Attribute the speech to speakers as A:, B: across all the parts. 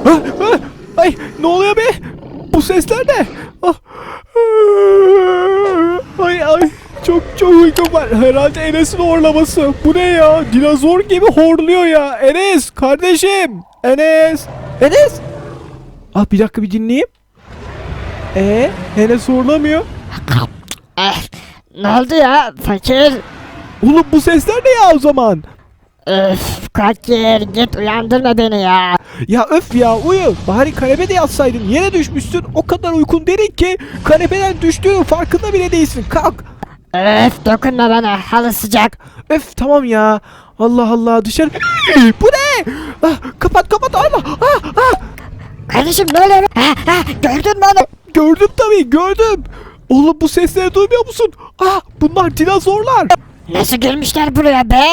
A: Ah, ah, ay ne oluyor be? Bu sesler ne? Ah, ay ay çok uykum var. Herhalde Enes'in horlaması. Bu ne ya? Dinozor gibi horluyor ya. Enes kardeşim. Enes. Enes. Ah bir dakika bir dinleyeyim. Enes horlamıyor.
B: Ne oldu ya fakir?
A: Oğlum bu sesler ne ya o zaman?
B: Öf fakir git uyandırma beni ya.
A: Ya öf ya uyu. Bari kanepede yatsaydın. Yere düşmüşsün. O kadar uykun derin ki kanepeden düştüğünün farkında bile değilsin. Kalk.
B: Öf dokunma bana halı sıcak.
A: Öf tamam ya. Allah Allah dışarı. Bu ne? Ah, kapat Allah.
B: Kardeşim ne oluyor? Gördün mü onu?
A: Gördüm tabii gördüm. Oğlum bu sesleri duymuyor musun? Ah bunlar dinozorlar.
B: Nasıl gelmişler buraya be?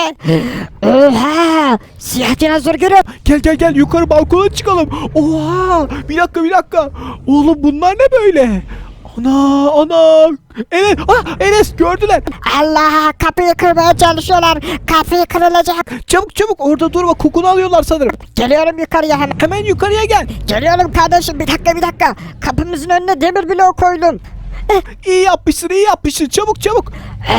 B: Oha! Siyah dinozor görüyorum.
A: Gel yukarı balkona çıkalım. Oha bir dakika. Oğlum bunlar ne böyle? Ana. Enes gördüler.
B: Allah kapıyı kırmaya çalışıyorlar. Kapıyı kırılacak.
A: Çabuk orada durma kokunu alıyorlar sanırım.
B: Geliyorum yukarıya hemen.
A: Hemen yukarıya gel.
B: Geliyorum kardeşim bir dakika. Kapımızın önüne demir bloğu koydum.
A: İyi yapmışsın çabuk.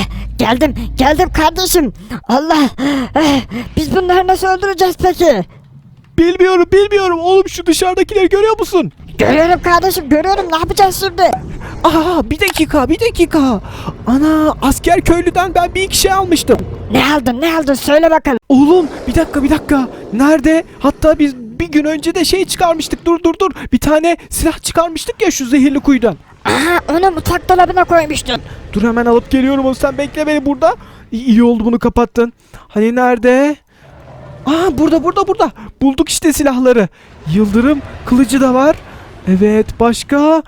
B: Geldim kardeşim. Allah. Biz bunları nasıl öldüreceğiz peki?
A: Bilmiyorum oğlum şu dışarıdakileri görüyor musun?
B: Görüyorum kardeşim görüyorum ne yapacağız şimdi?
A: Aa bir dakika. Ana asker köylüden ben bir iki şey almıştım.
B: Ne aldın söyle bakalım.
A: Oğlum bir dakika. Nerede? Hatta biz bir gün önce de şey çıkarmıştık. Dur. Bir tane silah çıkarmıştık ya şu zehirli kuyudan.
B: Aha onu mutfak dolabına koymuştun.
A: Dur hemen alıp geliyorum o sen bekle beni burada. İyi oldu bunu kapattın. Hani nerede? Aa burada. Bulduk işte silahları. Yıldırım kılıcı da var. Evet başka?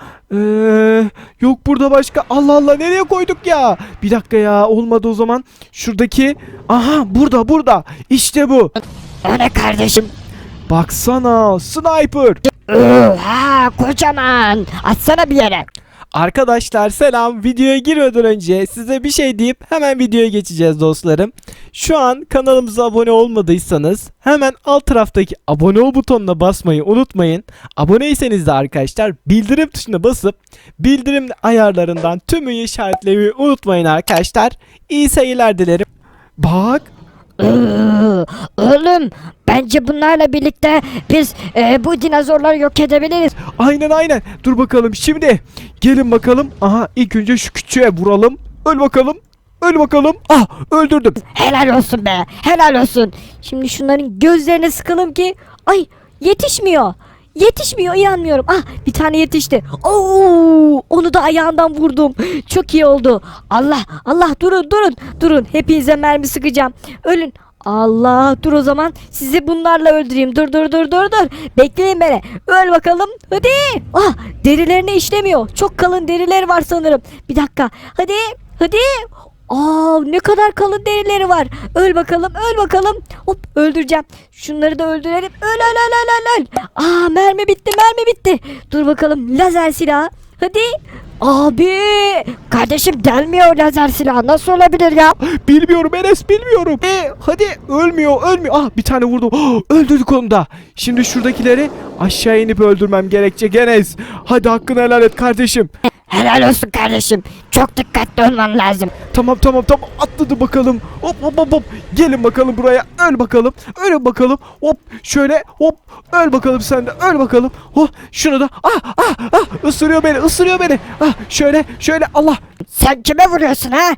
A: Yok burada başka. Allah nereye koyduk ya? Bir dakika ya olmadı o zaman. Şuradaki. Aha burada. İşte bu.
B: O ne kardeşim?
A: Baksana sniper.
B: Oha kocaman. Atsana bir yere.
A: Arkadaşlar selam. Videoya girmeden önce size bir şey deyip hemen videoya geçeceğiz dostlarım. Şu an kanalımıza abone olmadıysanız hemen alt taraftaki abone ol butonuna basmayı unutmayın. Aboneyseniz de arkadaşlar bildirim tuşuna basıp bildirim ayarlarından tümünü işaretlemeyi unutmayın arkadaşlar. İyi seyirler dilerim. Bak.
B: Oğlum bence bunlarla birlikte biz bu dinozorları yok edebiliriz.
A: Aynen. Dur bakalım şimdi. Gelin bakalım. Aha ilk önce şu küçüğe vuralım. Öl bakalım. Ah öldürdüm.
B: Helal olsun be helal olsun. Şimdi şunların gözlerine sıkalım ki ay yetişmiyor. İnanmıyorum. Ah bir tane yetişti. Oo, onu da ayağından vurdum. Çok iyi oldu. Allah durun. Hepinize mermi sıkacağım. Ölün. Allah dur o zaman sizi bunlarla öldüreyim. Dur. Bekleyin beni. Öl bakalım. Hadi. Ah derilerine işlemiyor. Çok kalın derileri var sanırım. Bir dakika. Hadi. Aa ne kadar kalın derileri var. Öl bakalım. Hop öldüreceğim. Şunları da öldürelim. Öl. Aa mermi bitti. Dur bakalım lazer silahı. Hadi. Abi kardeşim delmiyor lazer silahı nasıl olabilir ya?
A: Bilmiyorum Enes bilmiyorum. Hadi ölmüyor. Ah bir tane vurdum. Öldürdük onu da. Şimdi şuradakileri aşağı inip öldürmem gerekecek Enes. Hadi hakkını helal et kardeşim.
B: Helal olsun kardeşim. Çok dikkatli olman lazım.
A: Tamam atladı bakalım. Hop. Gelin bakalım buraya. Öl bakalım. Hop şöyle hop. Öl bakalım sen de. Öl bakalım. Oh şunu da. Isırıyor beni. Ah şöyle Allah.
B: Sen kime vuruyorsun ha?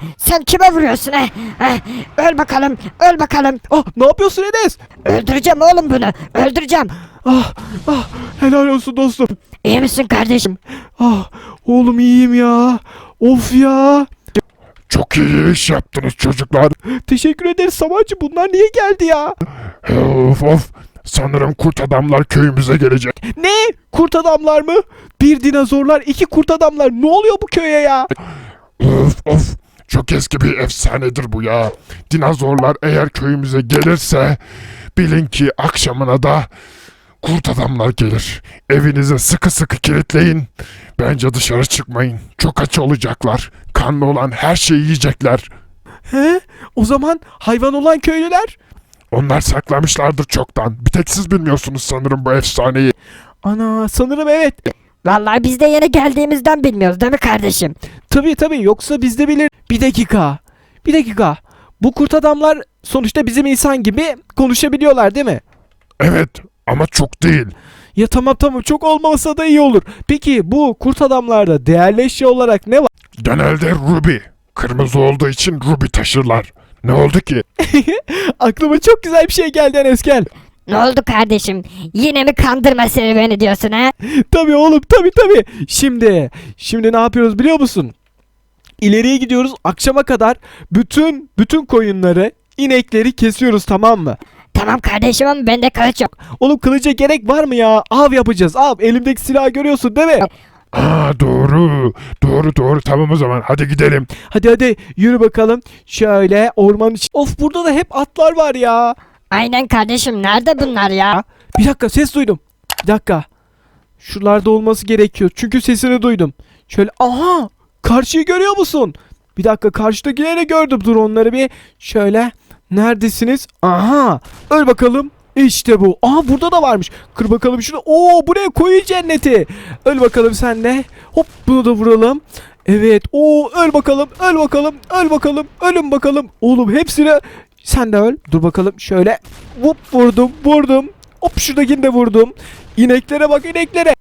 B: Öl bakalım.
A: Ah ne yapıyorsun Enes?
B: Öldüreceğim oğlum bunu. Öldüreceğim.
A: Ah helal olsun dostum.
B: İyi misin kardeşim?
A: Ah oğlum iyiyim ya. Of ya.
C: Çok iyi iş yaptınız çocuklar.
A: Teşekkür ederiz Savaşçı. Bunlar niye geldi ya?
C: Of. Sanırım kurt adamlar köyümüze gelecek.
A: Ne? Kurt adamlar mı? Bir dinozorlar, iki kurt adamlar. Ne oluyor bu köye ya?
C: Of. Çok eski bir efsanedir bu ya. Dinozorlar eğer köyümüze gelirse bilin ki akşamına da kurt adamlar gelir. Evinize sıkı kilitleyin. Bence dışarı çıkmayın. Çok aç olacaklar. Kanlı olan her şeyi yiyecekler.
A: He? O zaman hayvan olan köylüler?
C: Onlar saklamışlardır çoktan. Bir tek siz bilmiyorsunuz sanırım bu efsaneyi.
A: Ana sanırım evet.
B: Vallahi biz de yeni geldiğimizden bilmiyoruz değil mi kardeşim?
A: Tabii yoksa biz de bilir. Bir dakika. Bir dakika. Bu kurt adamlar sonuçta bizim insan gibi konuşabiliyorlar değil mi?
C: Evet ama çok değil.
A: Ya tamam çok olmasa da iyi olur. Peki bu kurt adamlarda değerli eşya olarak ne var?
C: Genelde ruby. Kırmızı olduğu için ruby taşırlar. Ne oldu ki?
A: Aklıma çok güzel bir şey geldi Enes gel.
B: Ne oldu kardeşim? Yine mi kandırma serüveni diyorsun ha?
A: Tabii oğlum tabii. Şimdi ne yapıyoruz biliyor musun? İleriye gidiyoruz akşama kadar bütün koyunları, inekleri kesiyoruz tamam mı?
B: Tamam kardeşim ama bende kılıç yok.
A: Oğlum kılıca gerek var mı ya? Av yapacağız av. Elimdeki silahı görüyorsun değil mi?
C: Aa doğru tamam o zaman hadi gidelim.
A: Hadi yürü bakalım. Şöyle ormanın içi. Of burada da hep atlar var ya.
B: Aynen kardeşim, nerede bunlar ya?
A: Bir dakika ses duydum. Bir dakika. Şuralarda olması gerekiyor. Çünkü sesini duydum. Şöyle aha karşıyı görüyor musun? Bir dakika karşıdakileri gördüm. Dur onları bir şöyle. Neredesiniz? Aha öl bakalım. İşte bu. Aha burada da varmış. Kır bakalım şunu. Oo buraya koyun cenneti. Öl bakalım sen de. Hop bunu da vuralım. Evet. Oo öl bakalım. Ölün bakalım. Oğlum hepsini sen de öl. Dur bakalım şöyle. Hop vurdum. Hop şuradakini de vurdum. İneklere bak ineklere.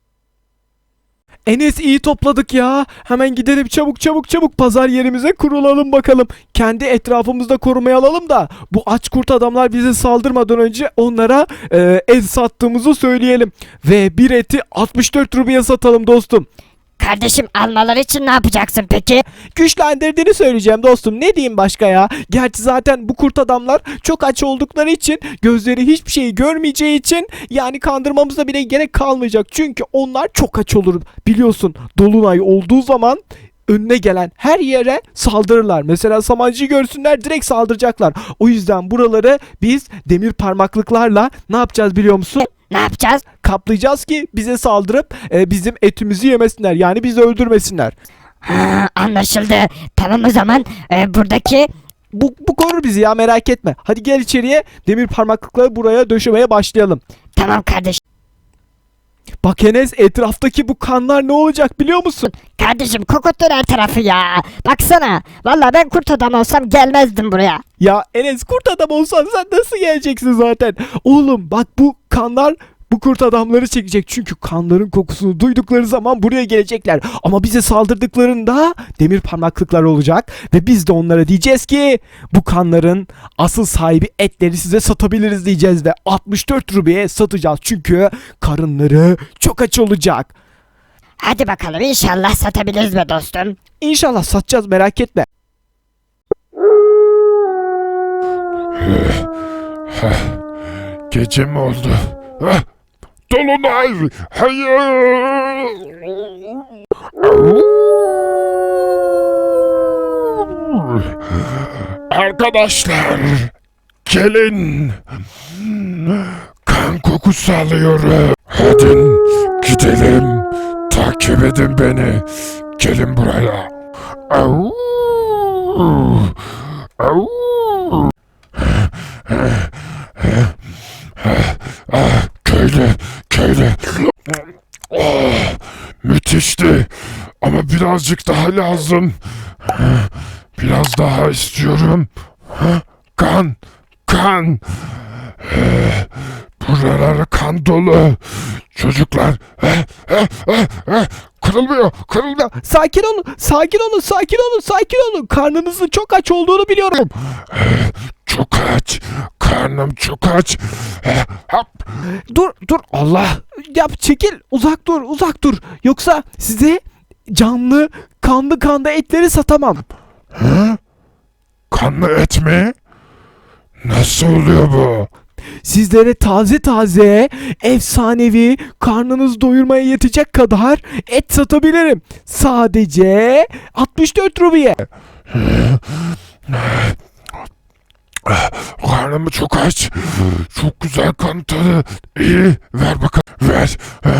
A: Enes iyi topladık ya. Hemen gidelim çabuk pazar yerimize kurulalım bakalım. Kendi etrafımızda korumaya alalım da bu aç kurt adamlar bize saldırmadan önce onlara et sattığımızı söyleyelim. Ve bir eti 64 rubiye satalım dostum.
B: Kardeşim almaları için ne yapacaksın peki?
A: Güçlendirdiğini söyleyeceğim dostum. Ne diyeyim başka ya? Gerçi zaten bu kurt adamlar çok aç oldukları için gözleri hiçbir şeyi görmeyeceği için yani kandırmamıza bile gerek kalmayacak. Çünkü onlar çok aç olur. Biliyorsun dolunay olduğu zaman önüne gelen her yere saldırırlar. Mesela samancıyı görsünler direkt saldıracaklar. O yüzden buraları biz demir parmaklıklarla ne yapacağız biliyor musun?
B: Ne yapacağız?
A: Kaplayacağız ki bize saldırıp bizim etimizi yemesinler. Yani bizi öldürmesinler.
B: Ha, anlaşıldı. Tamam o zaman buradaki...
A: Bu korur bizi ya merak etme. Hadi gel içeriye demir parmaklıkları buraya döşemeye başlayalım.
B: Tamam kardeşim.
A: Bak Enes etraftaki bu kanlar ne olacak biliyor musun?
B: Kardeşim kokuttur her tarafı ya. Baksana. Vallahi ben kurt adam olsam gelmezdim buraya.
A: Ya Enes kurt adam olsan sen nasıl geleceksin zaten? Oğlum bak bu kanlar bu kurt adamları çekecek. Çünkü kanların kokusunu duydukları zaman buraya gelecekler. Ama bize saldırdıklarında demir parmaklıklar olacak. Ve biz de onlara diyeceğiz ki bu kanların asıl sahibi etleri size satabiliriz diyeceğiz. Ve 64 rubiye satacağız. Çünkü karınları çok aç olacak.
B: Hadi bakalım inşallah satabiliriz be dostum.
A: İnşallah satacağız merak etme.
C: Gece mi oldu? Dolunay! Hayır! Arkadaşlar! Gelin! Kan kokusu alıyorum. Hadi gidelim. Takip edin beni. Gelin buraya. Au! Au! Köylü. Müthişti. Ama birazcık daha lazım. Biraz daha istiyorum. Kan. Buralar kan dolu. Çocuklar. Kırılmıyor.
A: Sakin olun. Karnınızın çok aç olduğunu biliyorum.
C: Çok aç. Karnım çok aç.
A: Dur Allah. Yap çekil. Uzak dur. Yoksa size canlı kanlı etleri satamam.
C: Kanlı et mi? Nasıl oluyor bu?
A: Sizlere taze efsanevi karnınızı doyurmaya yetecek kadar et satabilirim. Sadece 64 rubiye.
C: Karnım çok aç. Çok güzel kan tadı. İyi. Ver bakalım. Ver.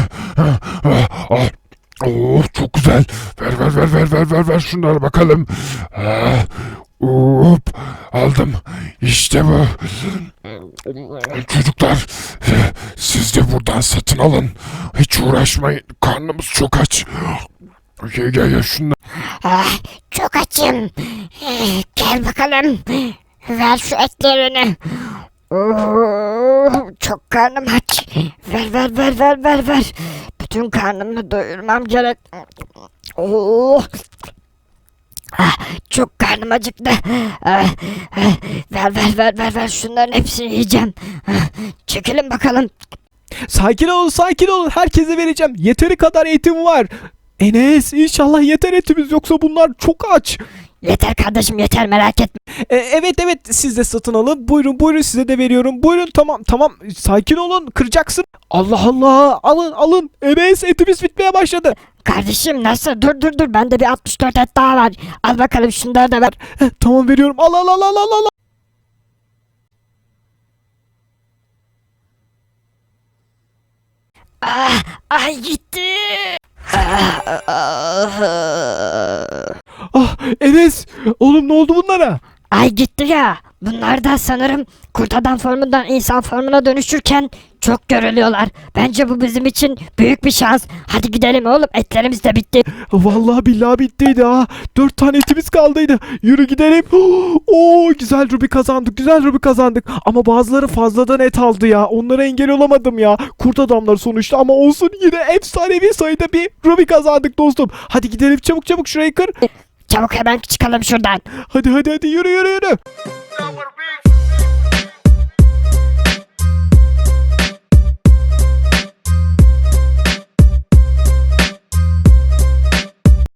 C: Oh çok güzel. Ver şunları bakalım. Hop aldım. İşte bu. Çocuklar siz de buradan satın alın. Hiç uğraşmayın. Karnımız çok aç. Gel şunları.
D: Ah, çok açım. Gel bakalım. Ver şu etlerini. Oo, çok karnım aç. Ver. Bütün karnımı doyurmam gerek. Oo. Ah, çok karnım acıktı. Ver. Şunların hepsini yiyeceğim. Çekilin bakalım.
A: Sakin olun. Herkese vereceğim. Yeteri kadar etim var. Enes, inşallah yeter etimiz, yoksa bunlar çok aç.
D: Yeter kardeşim, yeter, merak etme.
A: Evet, siz de satın alın. Buyurun, size de veriyorum. Buyurun, tamam. Sakin olun, kıracaksın. Allah, alın. Enes, etimiz bitmeye başladı.
D: Kardeşim nasıl? Dur. Bende bir 64 et daha var. Al bakalım, şunları da ver.
A: Tamam, veriyorum. Al.
D: Ay gitti.
A: Enes, oğlum ne oldu bunlara?
D: Ay gitti ya. Bunlar da sanırım kurt adam formundan insan formuna dönüşürken çok görülüyorlar. Bence bu bizim için büyük bir şans. Hadi gidelim oğlum, etlerimiz de bitti.
A: Vallahi billahi bittiydi ha. 4 tane etimiz kaldıydı. Yürü gidelim. Güzel Ruby kazandık. Ama bazıları fazladan et aldı ya. Onlara engel olamadım ya. Kurt adamlar sonuçta, ama olsun, yine efsanevi sayıda bir Ruby kazandık dostum. Hadi gidelim, çabuk şurayı kır.
D: Çabuk hemen çıkalım şuradan.
A: Hadi yürü.